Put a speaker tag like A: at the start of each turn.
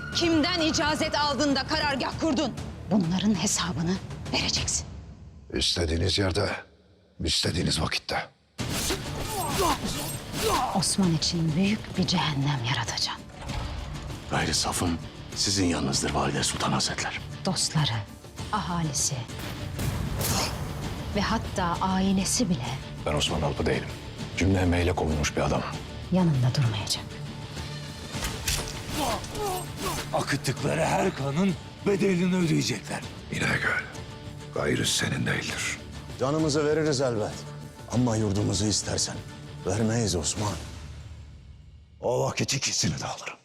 A: Kimden icazet aldın da karargah kurdun? Bunların hesabını vereceksin.
B: İstediğiniz yerde, istediğiniz vakitte.
A: Osman için büyük bir cehennem yaratacağım.
C: Gayri safım sizin yanınızdır Valide Sultan Hazretler.
A: Dostları, ahalisi ve hatta ailesi bile
B: Ben Osman Alpı değilim. Cümle emeğiyle kovulmuş bir adamım.
A: yanında durmayacak.
D: Akıttıkları her kanın bedelini ödeyecekler.
B: İnegöl, gayrı senin değildir.
C: Canımızı veririz elbet. Ama yurdumuzu istersen vermeyiz Osman.
B: O vakit ikisini de alırım.